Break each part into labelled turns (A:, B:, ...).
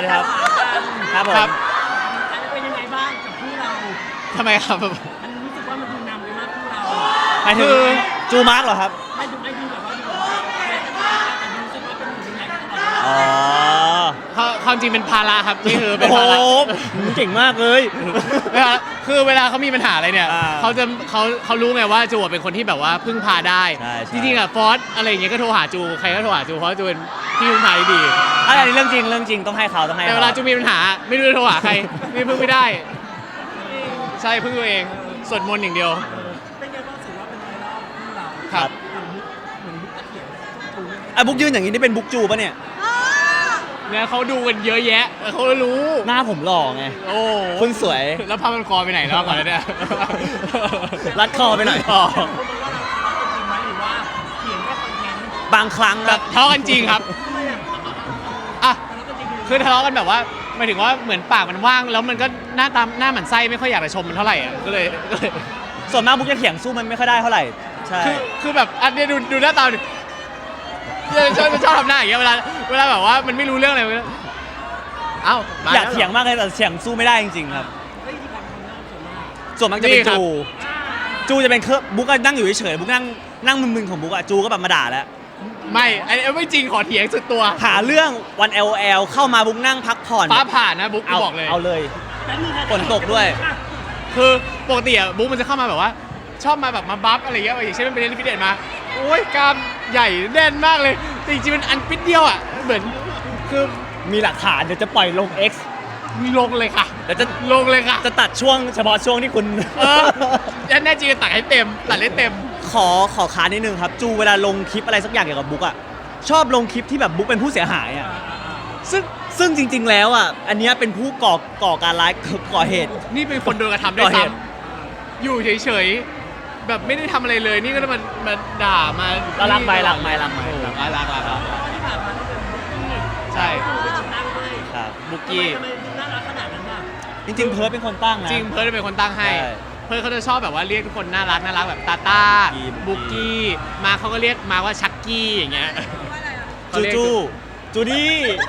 A: ดีครับครับผม
B: เป็นยังไงบ้างกับคู่เรา
C: ทำไมครับ
B: มันรู้สึกว่ามันดูนำไปมากคู่เรา
A: หมายถึงจูมาร์กเหรอครับ
B: ไม่ดูแบบว่าดูแต่รู้สึกว่าเป็นหนึ่งในนั้นตลอด
A: อ๋อ
C: ความจริงเป็นภาระครับนี่คือเป็น
A: โอ้
C: ภาระ
A: โหเก่งมากเลย
C: เวลาคือเวลาเขามีปัญหาอะไรเนี่ย
A: อ่า
C: เขารู้ไงว่าจูเป็นคนที่แบบว่าพึ่งพาได้
A: ใช่
C: จริงๆอ่ะฟอสอะไรอย่างเงี้ยก็โทรหาจูใครก็โทรหาจูเพราะจูเป็นที่พึ่งพาที่ดี
A: อันนี้เรื่องจริงต้องให้เขาต้องให้
C: แต่
A: เขา
C: เวลาจูมีปัญหาไม่รู้จะโทรหาใครไม่พึ่งไม่ได้ ใช่พึ่งตัวเองสวดมนต์อย่างเดียว
B: เป็นไงบ้างถือว่าเป็นไวรัลคู่เรา
C: ครับ
B: เหมือนมุกตะเขียนถูก
A: อ่ะบุ๊กยืนอย่างนี้นี่เป็นบุ๊กจูปะเนี่ย
C: เนี่ยเขาดูกันเยอะแยะเขารู้
A: หน้าผมหล่อไง
C: โอ้
A: คุณสวย
C: แล้วผ้ามันคอไปไหนแล้วก่อนเนี่ย
A: รัดคอไปหน่อย
C: อ๋อ
B: คนบอกว่าเราทะเลาะกันจริงไหมหรือว่าเขียนแค่คอนเทนต์
A: บางครั้งครับ
C: ทะเลาะกันจริงครับ
B: ทำไมอ่ะ
C: อ่ะ
B: ทะเลาะกันจริง
C: คือทะเลาะกันแบบว่าหมายถึงว่าเหมือนปากมันว่างแล้วมันก็หน้าหมันไส้ไม่ค่อยอยากจะชมมันเท่าไหร่อ่ะก็เลย
A: ส่วนมากบุ๊กจะเถียงสู้มันไม่ค่อยได้เท่าไหร่ ใช่
C: คือแบบอันเนี้ยดูหน้าตาดิชอบทำหน้าอย่างเงี้ยเวลาแบบว่ามันไม่รู้เรื่องอะไรมันก็เอ้ามา
A: อยาก
C: แล้วหร
A: เถียงมากเลยแต่เถียงสู้ไม่ได้จริงๆครับ
B: เฮ้ยที่การทำหน้าส่วนมาก
A: ส่วนมากจะเป็น
C: นี่ครับ
A: จูจะเป็นเครื่องบุ๊กก็นั่งอยู่เฉยๆบุ๊กนั่งมึนๆของบุ๊กอะจูก็แบบมาด่าแล้ว
C: ไม่อันนี้ไม่จริงขอเถียงสุดตัว
A: หาเรื่องวัน LOL เข้ามาบุ๊กนั่งพักผ่อน
C: ฟ้าผ่านนะบุ๊ก
A: เอา
C: บอกเลย
A: เอาเลย
B: แป๊บนึงะ
A: ฝนตกด้วย
C: คือปกติอะบุ๊กมันจะเข้ามาแบบว่า ชอบมาแบบมาบัฟอะไรเงี้ยอย่างเช่นมันเป็นเล่นฟิตเนสมาโอ้ยกล้ามใหญ่แน่นมากเลยแต่จริงๆมันอันปิดเดียวอะเหมือนคือ
A: มีหลักฐานเดี๋ยวจะปล่อยลง X
C: ลงเลยค่ะ
A: เดี๋ยวจะ
C: ลงเลยค่ะ
A: จะตัดช่วงเฉพาะช่วงที่คุณ
C: เออแน่จริงตัดให้เต็มตัดให้เต็ม
A: ขอค้านนิดนึงครับ จูเวลาลงคลิปอะไรสักอย่างเกี่ยวกับบุ๊กอะชอบลงคลิปที่แบบบุ๊กเป็นผู้เสียหายอะซึ่งจริง ๆ แล้วอะอันเนี้ยเป็นผู้ก่อการร้ายก่อเหตุ
C: นี่เป็นคนโดนกระทำด้วย
A: ก่อเห
C: ซ้
A: ตุ
C: ำอยู่เฉยๆแบบไม่ได้ทำอะไรเลยนี่ก็มาด่ามา
A: เรารักไปรักไปรักไป
C: โอ้โหรัก
B: ที่ผ่านมาต้องเป็นมุกนี่
C: ใช่
B: ดูเป็นคนตั้งให้
A: ครับ
C: บุกกี้
B: ทำไมดูน่ารักขนาดนั้นอ่ะ
A: จริงๆเพิร์ดเป็นคนตั้งนะ
C: จริงเพิร์ดเป็นคนตั้งให้
A: ใช่
C: เพิร์ดเขาจะชอบแบบว่าเรียกทุกคนน่ารักแบบตาตา
A: บุ
C: บุ
A: ก
C: ก
A: กี้
C: กี้มาเขาก็เรียกมาว่าชักกี้อย่างเงี้ย
A: จูดี้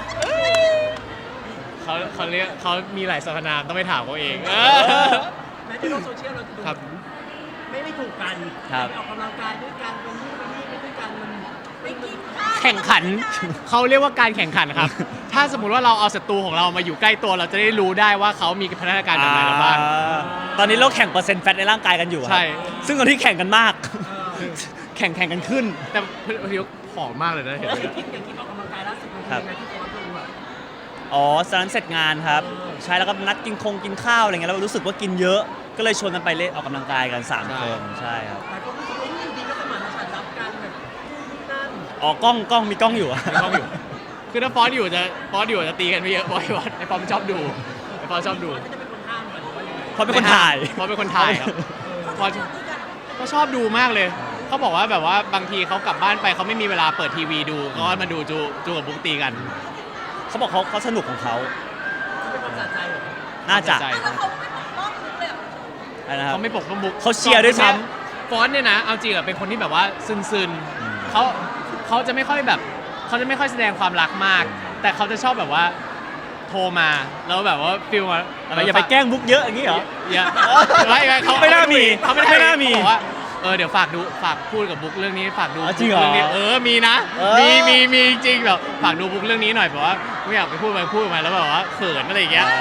C: เขาเรียกเขามีหลายสรรพนามต้องไปถามเขาเองเออ
B: แม้ในโลกโซเชียลเราจะดู
C: ครับ
B: ไม่ถูกกัน
A: ครับ
B: ไปออกกำลังกายด้วยกันเป็นนู่นเป็นนี่ไปด้วยกันมันไม่กินข้าว
C: แข่งขันเขาเรียกว่าการแข่งขันครับ ถ้าสมมุติว่าเราเอาศัตรูของเรามาอยู่ใกล้ตัวเราจะได้รู้ได้ว่าเขามีพัฒนาการแบบไหนแล้วบ้าง
A: ตอนนี้เราแข่งเปอร์เซ็นต์แฟตในร่างกายกันอยู่ครับ
C: ใช่
A: ซึ่งตอนที่แข่งกันมาก แข่งกันขึ้น
C: แต่พอดีผอมมากเลยนะเห็นไหม
B: อย่างที่ออกกำลังกายล่าสุดมันเป็นยังไงที่โค้ชดูอ่ะ
A: อ๋อสนั้นเสร็จงานครับ ใช่แล้วก็นัดกินข้าวอะไรเงี้ยแล้วรู้สึกว่ากินเยอะ ก็เลยชวนกันไปเล่นออกกำลังกายกัน3คนใช่ครับ
B: แต่ก็รู้สึกว่าอยู่ดีก็สมานฉันท์รับกันแบบนู่นนี่นั่น
A: อ๋อกล้องมีกล้องอยู่อะ
C: มีกล้องอยู่ คือถ้าฟอสอยู่จะตีกันไม่เยอะบอยฟอสไอฟอสมันชอบดูไอฟอสชอบดู
B: ก็จะเป็นคนห้ามกันหรือว่ายังไง
A: เพราะเป็นคนถ่าย
C: ฟอสเป็นคนถ่ายครับฟอสก็ชอบดูมากเลยเขาบอกว่าแบบว่าบางทีเขากลับบ้านไปเขาไม่มีเวลาเปิดทีวีดูก็มาดูจูกับบุ๊กตีกัน
A: เขาบอกเขาสนุกของเขา
B: เป็นความสะใจเหรอ
A: น่าจะ
C: ใจ
D: แล้วเขาไม่ปกป้องมุกเลยเหรอ
A: อะไรนะครับ
C: เขาไม่ปกป้องบุ๊ก
A: เขาเชียร์ด้วยซ้
C: ฟอสเนี่ยนะเอาจริงอะเป็นคนที่แบบว่าซึนๆเขาจะไม่ค่อยแบบเขาจะไม่ค่อยแสดงความรักมาก แต่เขาจะชอบแบบว่าโทรมาแล้วแบบว่าฟิลมา
A: อะไรอย่าไปแกล้งบุ๊กเยอะอย่างนี้เหรอ
C: อย่าไม่เขา
A: ไม่น่ามี
C: เขาไม่
A: ไม่น่ามี
C: เขบอกว่าเดี๋ยวฝากพูดกับบุ๊กเรื่องนี้ฝากดู
A: อ๋อจริงเหรอ
C: เรื่องนี้มีนะ
A: เออ
C: มีจริงแบบฝากดูบุ๊กเรื่องนี้หน่อยแบบว่าไม่อยากไปพูดมาแล้วแบบว่าเขินอะไรอย่างเงี้ย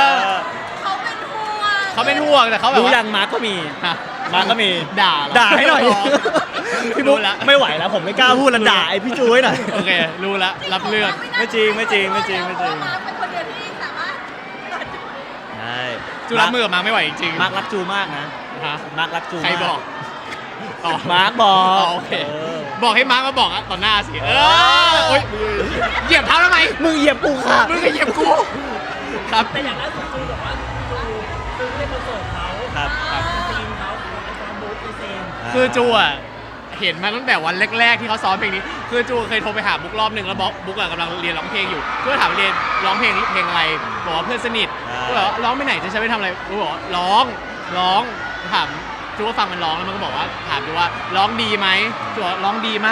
D: เขาเป็นห่วง
C: เขาเป็นห่วงแต่เขาแบบ
A: ดู
C: ว่า
A: ยังมาร์กก็มี
C: ฮะ
A: มาร์กก็มี
C: ด่าเร
A: ด่าให้หน่อย พี่บุ๊ก
C: รู้ละ
A: ไม่ไหวแล้วผมไม่กล้าพูดแล้วด่าไอพี่จูให้หน่อย
C: โอเครู้ละรับเรื่อง
A: ไม่จริงไม่จริง
D: เพราะว่ามาร์คเป็นคนเดียวที่สามารถ
A: ใช่
C: จูรับมือกับมาไม่ไหวจริง
A: มาร์กรักจูมากนะ
C: ฮะ
A: มาร์กรักจู
C: ใครบอกอ๋อ
A: มาร์กบอก
C: โอเค
A: เออ
C: บอกให้มาร์คมาบอกอะต่อหน้าสิโอ๊ยเหยียบเท้าทำไม
A: มึงเหยียบกูค่ะ
C: มึงก็เหยียบกูครับ
B: แต่อย่างล่าสุดจูบอกว่าจูซื้อในคอนเสิร์ตเขา
A: ครับ
B: ทีมเขาไอฟอร์มบุ๊กไอเซน
C: คือจูอ่ะเห็นมาตั้งแต่วันแรกๆที่เขาซ้อมเพลงนี้ คือจูเคยโทรไปหาบุ๊กรอบหนึ่งแล้วบุ๊กอะกำลังเรียนร้องเพลงอยู่ก็ถามเรียนร้องเพลงอะไรบอกว่าเพื่อนสนิทก็บอกว่าร้องไปไหนจะใช้ไปทำอะไรบุ๊กบอกว่าร้องถามจูก็ฟังมันร้องแล้วมันก็บอกว่าถามดูว่าร้องดีไหมจูบอกว่าร้องดีมาก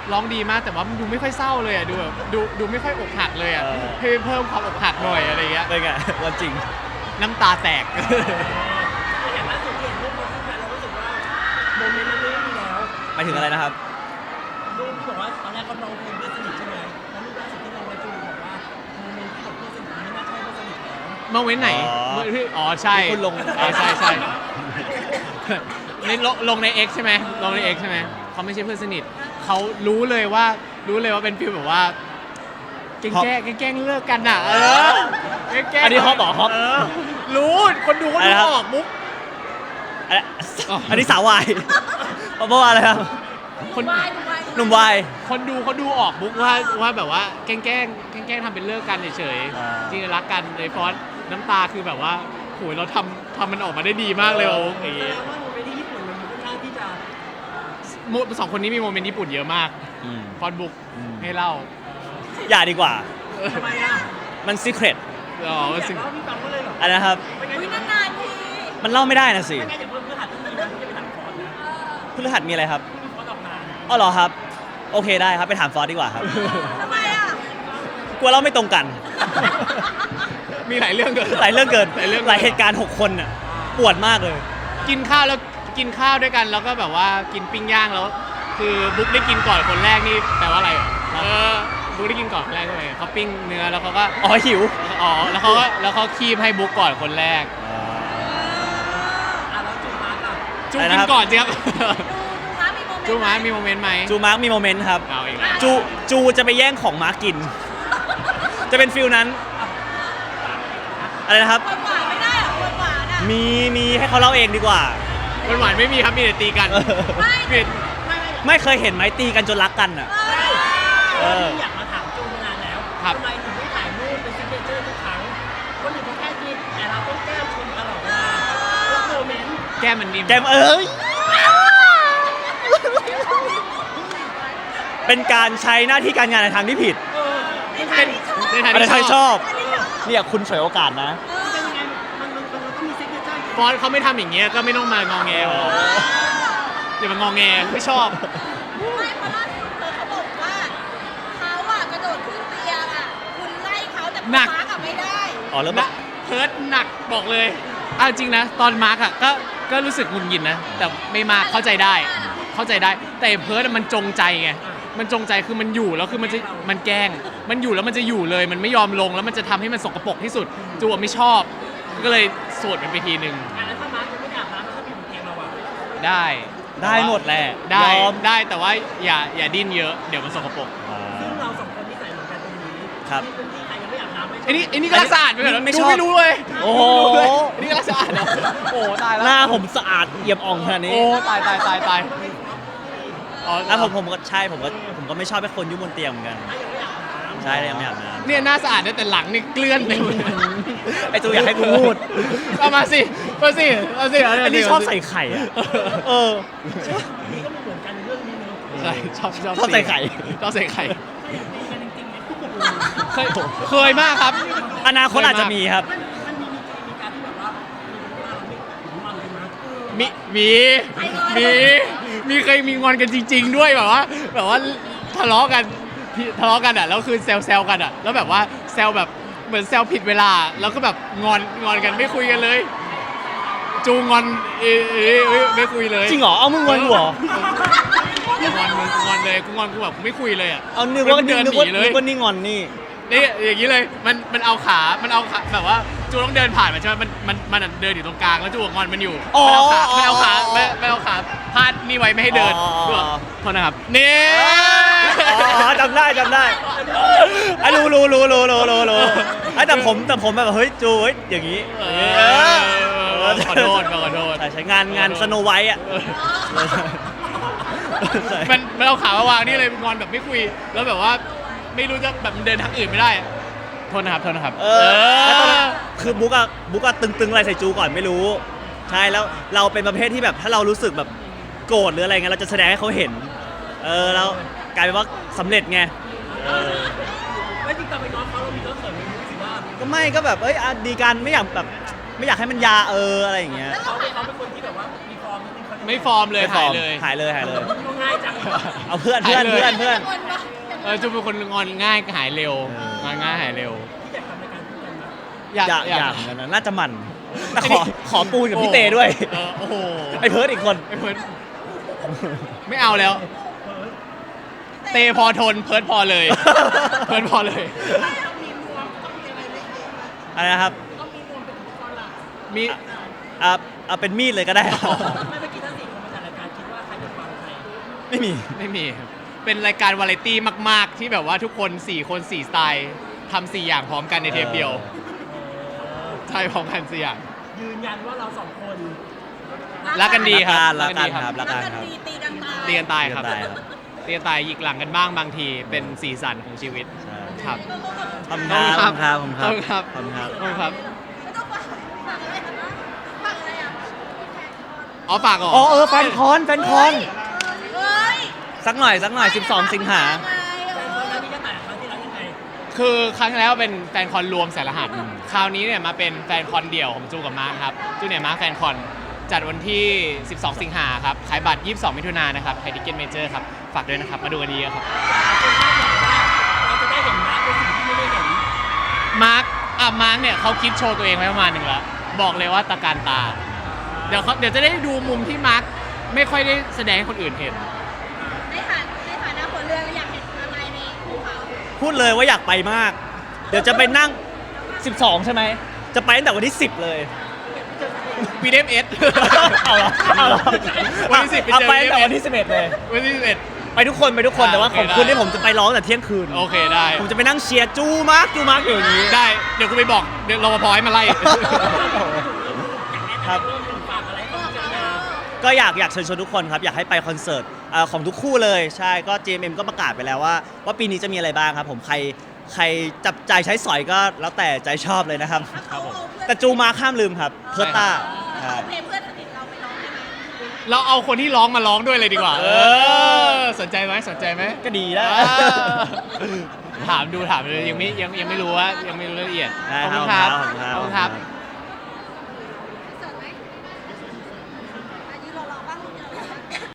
C: ร้องดีมากแต่ว่ามันดูไม่ค่อยเศร้าเลยอ่ะดูแบบดูไม่ค่อยอกหักเลยอ่ะ
A: เออ
C: ให้เพิ่มความอกหักหน่อยอะไรเงี้ย
A: เป็นไงวันจริง
C: น้ำตาแตก
B: อย่างล่าสุดที่เห็นรูปมาคู่กันเรารู้สึกว่าโมเมนต์นั้นไม่มีแล้ว
A: ไปถึงอะไรนะครับ
B: รูปที่บอกว่าตอนแรกเขาลองเพลงเพื่อนสนิทใช่ไหมแล้วรูปล่าสุดที่ลงไว้จูบอกว่าโมเมนต์ที่กับเพื่อนสนิทไม่น่าใช่เพื่อนสนิทแล้ว
C: เมื่อเว้นไหน
A: อ๋อ
C: เมื่อที่อ๋อใช่
A: ที่คุณลง
C: ใช่ใช่ ในลงใน X ใช่ไหมลงใน X ใช่ไหมเขาไม่ใช่เพื่อนสนิทเขารู้เลยว่าเป็นฟีลแบบว่าแกล้งเลิกกันอ่ะแกล้ง
A: อันนี้ฮอปเหรอฮอป
C: รู้คนดูเขาดูออกมุก
A: อันนี้สาววายเพราะว่าอะไรครับ
C: คน
D: วายวาย
A: หนุ่มวาย
C: คนดูเขาดูออกมุกว่าแบบว่าแกล้งทำเป็นเลิกกันเฉย
A: อ่า
C: ๆจริงๆรักกันเลยฟอนต์น้ำตาคือแบบว่าโหยเราทำมันออกมาได้ดีมากเลยโอ้โห
B: แสดงว่าโมเมนต์ที่ญี่ปุ่นมันค่อนข้างที่จะ
C: สองคนนี้มีโมเมนต์ญี่ปุ่นเยอะมาก
A: อืม
C: ฟอนต์บุ๊ก
A: อืม
C: ให้เล่า
A: อย่าดีกว่า
B: ทำไมอ่ะ
A: มันซีเครต
C: อ๋อ
B: อยาก
C: สิ่ง
B: เล่าพี่ฟังก็เลยเหรอ
A: อันนะครับ
B: ไม่งั้น
D: อุ้ย
B: เดี๋ยวน
D: านๆที
A: มันเล่าไม่ได้นะสิ
B: ไม่งั้นเดี๋ยวเพื่อนหัดที่นี่นะที่จะไปถามฟอนต์นะ
A: พฤหัสมีอะไรครับ
B: ที่มีฟอนต์ออกงาน
A: อ๋อเหรอครับ โอเคได้ครับ ไปถามฟอสดีกว่าครับ
D: ทำไมอ่ะ
A: กลัวเล่าไม่ตรงกัน
C: มีหลายเรื่องเกิน
A: หลายเรื่องเกิน
C: หลายเรื่อง
A: หลายเหตุการณ์ 6 คนน่ะปวดมากเลย
C: กินข้าวด้วยกันแล้วก็แบบว่ากินปิ้งย่างแล้ว คือบุ๊กได้กินก่อนคนแรกนี่แปลว่าอะไรบุ๊กได้กินก่อนคนแรกใช่ไหมเขาปิ้งเนื้อแล้วเขาก็
A: อ๋อหิว
C: แล้วเขาคีบให้บุ๊กก่อนคนแรก
B: อ่ะแล้วจูมาร์กอ่ะ
C: จู
A: อะไร
C: กิ
A: นะ
C: น
A: ครับ
C: ก่อนสิครับ
D: ดูม้ามีโมเมนต์
C: จูมาร์คมีโมเมนต์ไหม
A: จูมาร์กมีโมเมนต์ครับ
C: เอาอีกแล้ว
A: จูจะไปแย่งของมาร์กกิน จะเป็นฟิลนั้น อะไรนะครับ
D: คนหวานไม่ได้เหรอคนหวานอ่ะ
A: มีให้เขาเล่าเองดีกว่า
C: หวานๆไม่มีครับมีแต่ตีกัน
D: ไม่
C: มี
A: ไม่เคยเห็นไหมตีกันจนรักกันอ่ะ
B: เพราะว่าพี่อยากมาถามจูมานานแล้ว
C: ครับ
B: ทำไมถึงไม่ถ่ายรูปเป็นซิกเนเจอร์ทุกครั้งคนอื่นเขาแค่กินแต่เราต้องแก้มชมตลอดเวลาทุกโมเมนต์
C: แก้มมันนิ่ม
A: แกมเอ้ย เป็นการใช้หน้าที่การงานในทางที่ผิด
C: เป็นในทาง
A: ในทาง
C: ที่
A: ที่
C: ช
A: ช
C: อ
A: อบ บ เนี่ยคุณฉวยโอกาสนะ
B: เป็นยังไงมันต้องมีซิกเนเจอร์
C: ฟอนต์เขาไม่ทำอย่างเงี้ยก็ไม่ต้องมางอแงหรอกอย่ามางอแงไม่ชอบ
D: ไม่เพราะล่าสุดเขาบอกว่าเขาอ่ะกระโดดขึ้นเตียงอ่ะคุณไล่เขาแต่คุณ
C: หนัก
D: ม้ากับไม่ได้
A: อ๋อแล้ว
C: นะเพิร์ดหนักบอกเลยอ่ะจริงนะ ตอนมาร์กอ่ะก็รู้สึกหงุดหงิดนะ แต่ไม่มากเข้าใจได้ แต่เพิร์ดมันจงใจไงมันจงใจคือมันอยู่แล้วคือมันแกล้งมันอยู่แล้วมันจะอยู่เลย มันไม่ยอมลงแล้วมันจะทำให้มันสกปรกที่สุดจูอะไม่ชอบ ก็เลยสวดมันไปทีหนึ่ง
B: อ่ะแล้วถ้ามาร์คยังไม่อาบน้ำถ้ามีบนเตียงเราอ่ะ
C: ได้
A: ได้หมดแหละ
C: ได้
A: ยอม
C: ได้แต่ว่าอย่าดิ้นเยอะเดี๋ยวมันสกปรก
B: ซึ่งเราสองคนที่ใส่เหมือนกันตรงนี้
A: ครับ
B: ที่เป็นที่ใครยังไม่อาบน้ำไม่ใช่
C: ไอ้นี่ก็รักสะอาดไปก่อน
A: ไม่
C: ดู
A: ชอบ
C: ไม่รู้เลย
A: โอ้โห
C: ดูไม่รู้เลยไอ้นี่ก็รักสะอาดเหรอโอ้ตายแล้ว
A: หน้าผมสะอาดเอี่ยมอ่องขนาดนี้
C: โอ้ตายอ๋อ
A: แล้วผมก็ใช่ผมก็ไม่ชอบให้คนยุ่งบนเตียงเหมือนกัน ใช่เลยยังไม่อาบน้
C: เนี่ยหน้าสะอาดนะแต่หลังนี่เกลื่อนเลย
A: ำไอจูอยากให้กูพูด
C: เอามาสิเอาสิ
A: อันนี้ชอบใส่ไข่อะเออ
B: นี่ก็เหมือนกันเรื่องนี้เนอะ
C: ใช่ชอบ
A: ชอบใส่ไข่
C: ชอบใส่ไข่
B: ตีกันจริงๆไหม
C: เคยมากครับ
A: อนาคตอาจจะมีครับ
B: มันมีการที่แบบว่ามีมันเลยนะ
C: มีเคยมีงอนกันจริง ๆ ด้วยแบบว่าทะเลาะกันอ่ะแล้วคือแซวกันอ่ะแล้วแบบว่าแซวแบบเหมือนแซวผิดเวลาแล้วก็แบบงอนกันไม่คุยกันเลย จูงอนไม่คุยเลย
A: จริงเหรอ เอามึงงอนกูเหรอ
C: งอนเลยกูงอนกูแบบไม่คุยเลยอ่ะ
A: เอานึกว่า
C: เดิน
A: นึก
C: ห
A: ว่า
C: นีเลย
A: นึกว่านี่งอนนี่
C: นี่อย่างนี้เลยมันเอาขาแบบว่าจูต้องเดินผ่านมันใช่ไหมมันเดินอยู่ตรงกลางแล้วจูงอนมันอยู่
A: อ๋อ
C: ไม่เอาขาพาดนี่ไว้ไม่ให้เดิน
A: อ๋อ
C: จูบอกโทษนะครับนี่
A: อ๋อจำได้ไอ้รู้ไอ้แต่ผมแบบเฮ้ยจูเฮ้ยอย่างนี้
C: ขอโทษ
A: ใช่งานสโนไวท์อ่ะ
C: มันเอาขามาวางนี่เลยงอนแบบไม่คุย แล้วแบบว่าไม่รู้จะแบบมันเดินทางอื่นไม่ได้อะโทษนะครับ
A: แล้วตอนนั้นคือบุ๊กอะตึงอะไรใส่จูก่อนไม่รู้ ใช่แล้วเราเป็นประเภทที่แบบถ้าเรารู้สึกแบบโกรธหรืออะไรเงี้ยเราจะแสดงให้เขาเห็นแล้วกลายเป็นว่าสำเร็จไง
B: แล้วจริงๆตอนไปน้องเขาเรามีน้องเสริมมีรู้สึกว่า
A: ก็ไม่ก็แบบดีกันไม่อยากให้มันยาอะไรอย่างเงี้ย
B: เขาเป็นคนที่แบบว่ามีฟอร์มนิดนึงเขา
C: ไม่ฟอร์มเลยหายเลย
A: หายเลย
B: ก็ง่ายจัง
A: เอาเพื่อนเพื่อนเพื่อนเพื่อน
C: จูเป็นคนงอนง่ายหายเร็วงอนง่ายหายเร็ว
B: ที่อยากทำรายการคู่กันนะ
A: อยากเหมือนกันนะน่าจะมันแต่ขอปูนกับพี่เตด้วย
C: โอ้โห
A: ไอ้เพิร์ดอีกคน
C: ไอ้เพิร์ดไม่เอาแล้ว เตพอทนเพิร์ดพอเลย เพิร์ดพอเลย
A: อะไรนะครับ
C: มี
A: เอาเป็นมีดเลยก็ได้
B: ไม่เมื่อกี้ทั้ง4 คนมาจัดรายการคิดว่าใครจะฟังใคร
A: ไม่มี
C: ไม่มีครับเป็นรายการวาไรตี้มาก ๆ ที่แบบว่าทุกคน 4 คน 4 สไตล์ทำ4 อย่างพร้อมกันในเทปเดียว ใช่พร้อมกัน4 อย่าง
B: ยืนยันว่าเรา2 คน
C: รักกันดีครับ
A: รักกันครับรักกันครับ
D: ตีกันตาย
C: เตีกันตายครับ
A: เตียกันตายครับ
C: เตียกันตายหยิกหลังกันบ้างบางทีเป็นสีสันของชีวิต
A: ใช่
C: ครับ
A: ขอบคุณครับขอบคุณครับ
C: ขอบคุณครับ
A: ขอบคุณครับ
C: ขอบคุณครับ
D: ไม่ต้องฝากอะไรนะฝากอะไรอ่ะ
C: อ๋อฝากก่อน
A: อ๋อแฟนคอนแฟนคอน
D: เฮ้ย
A: สักหน่อย12 สิงหา
B: แล้วนี่จะแต่ครั้งที่แล้วยังไง
C: คือครั้งที่แล้วเป็นแฟนคอนรวมสายรหัส คราวนี้เนี่ยมาเป็นแฟนคอนเดี่ยวของจูกับมาร์คครับ จูเนี่ยมาร์คแฟนคอนจัดวันที่ 12 สิงหาครับ ขายบัตร 22 มิถุนายนนะครับไทยทิเก็ตเมเจอร์ครับ ฝากด้วยนะครับ มาดูกันดีครับ
B: เราจะได้เห็นมาร์คเป็นสิ่งที่ไม่ได้เห็น
C: มาร์คเนี่ยเขาคิดโชว์ตัวเองไว้ประมาณหนึ่งแล้ว บอกเลยว่าตะการตา เดี๋ยวจะได้ดูมุมที่มาร์คไม่ค่อยได้แสดงให้คนอื่นเห็น
D: ในฐานะคนเรือนอยากเห็นอะไรในภูเขา
A: พูดเลยว่าอยากไปมาก เดี๋ยวจะไปนั่ง 12 ใช่ไหม จะไปตั้งแต่วันที่ 10 เลย
C: VDFS
A: เอาเหรอเอาเหรอ
C: วันที่10
A: เอาไป
C: ไปเจอ
A: ตั้งแต่วันที่ 11 เลย
C: วันที่11
A: ไปทุกคนแต่ว่า
C: โอเค
A: ของคุณ
C: ได้
A: ที่ผมจะไปร้องแต่เที่ยงคืน
C: โอเคได้
A: ผมจะไปนั่งเชียร์จูมาร์กอยู่อย่างนี้
C: ได้ เดี๋ยวกูไปบอกเดี๋ยวรปภให้มาไล่
A: ครับ
B: ฝากอะไรกับพี่นา
A: ก็อยากเชิญชวนทุกคนครับอยากให้ไปคอนเสิร์ตของทุกคู่เลยใช่ก็ JMM ก็ประกาศไปแล้วว่าปีนี้จะมีอะไรบ้างครับผมใครจับใจใช้สอยก็แล้วแต่ใจชอบเลยนะครับ
C: ครับผม
A: แต่จูมาร์คห้ามลืมครับเพิร์ตต้า
D: เอาเพลงเพื่อนสนิทเราไปร้องได้ไหม
C: เราเอาคนที่ร้องมาร้องด้วยเลยดีกว่า สนใจไหมสนใจไหม
A: ก็ดีนะ
C: ถามดูยังไม่รู้ว่ายังไม่รู้รายละเอียด
A: ได้
C: ขอบ
A: ค
C: คุ
A: รับ
C: ณครับ